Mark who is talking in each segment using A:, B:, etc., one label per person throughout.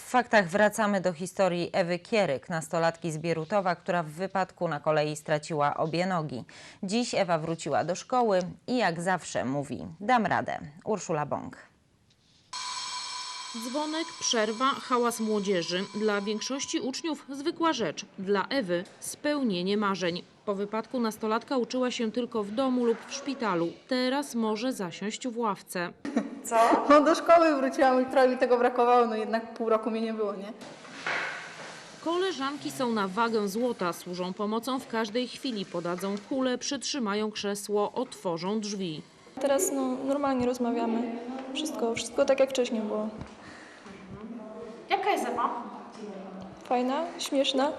A: W faktach wracamy do historii Ewy Kieryk, nastolatki z Bierutowa, która w wypadku na kolei straciła obie nogi. Dziś Ewa wróciła do szkoły i jak zawsze mówi: dam radę. Urszula Bąk.
B: Dzwonek, przerwa, hałas młodzieży. Dla większości uczniów zwykła rzecz. Dla Ewy spełnienie marzeń. Po wypadku nastolatka uczyła się tylko w domu lub w szpitalu. Teraz może zasiąść w ławce.
C: Co? No do szkoły wróciłam i trochę mi tego brakowało, no jednak pół roku mnie nie było, nie?
B: Koleżanki są na wagę złota, służą pomocą w każdej chwili. Podadzą kulę, przytrzymają krzesło, otworzą drzwi.
D: Teraz normalnie rozmawiamy. Wszystko tak jak wcześniej było.
E: Jaka jest Ewa?
D: Fajna, śmieszna,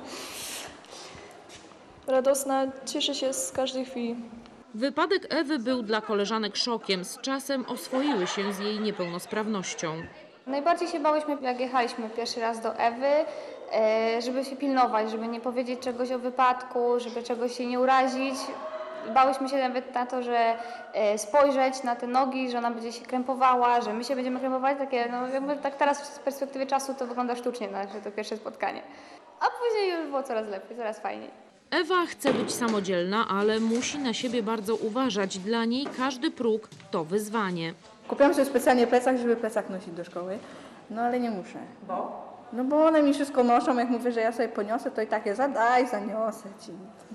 D: radosna, cieszy się z każdej chwili.
B: Wypadek Ewy był dla koleżanek szokiem. Z czasem oswoiły się z jej niepełnosprawnością.
F: Najbardziej się bałyśmy, jak jechaliśmy pierwszy raz do Ewy, żeby się pilnować, żeby nie powiedzieć czegoś o wypadku, żeby czegoś się nie urazić. Bałyśmy się nawet na to, że spojrzeć na te nogi, że ona będzie się krępowała, że my się będziemy krępować. Takie, no jakby tak teraz z perspektywy czasu to wygląda sztucznie, nasze to pierwsze spotkanie. A później już było coraz lepiej, coraz fajniej.
B: Ewa chce być samodzielna, ale musi na siebie bardzo uważać. Dla niej każdy próg to wyzwanie.
C: Kupiłam sobie specjalnie plecak, żeby plecak nosić do szkoły, no ale nie muszę.
E: Bo?
C: No bo one mi wszystko noszą, jak mówię, że ja sobie poniosę, to i takie zaniosę ci.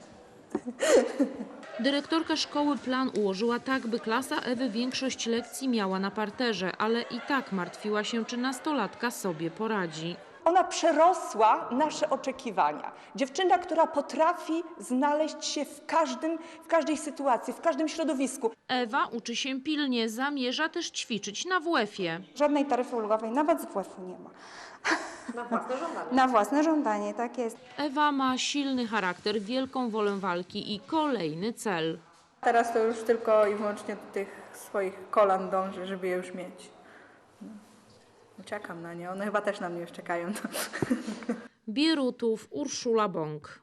B: Dyrektorka szkoły plan ułożyła tak, by klasa Ewy większość lekcji miała na parterze, ale i tak martwiła się, czy nastolatka sobie poradzi.
G: Ona przerosła nasze oczekiwania. Dziewczyna, która potrafi znaleźć się w każdej sytuacji, w każdym środowisku.
B: Ewa uczy się pilnie, zamierza też ćwiczyć na WF-ie.
H: Żadnej taryfy ulgowej, nawet z WF-u nie ma.
E: Na własne żądanie.
H: Na własne żądanie, tak jest.
B: Ewa ma silny charakter, wielką wolę walki i kolejny cel.
C: Teraz to już tylko i wyłącznie do tych swoich kolan dążę, żeby je już mieć. Czekam na nie, one chyba też na mnie już czekają.
B: Bierutów, Urszula Bąk.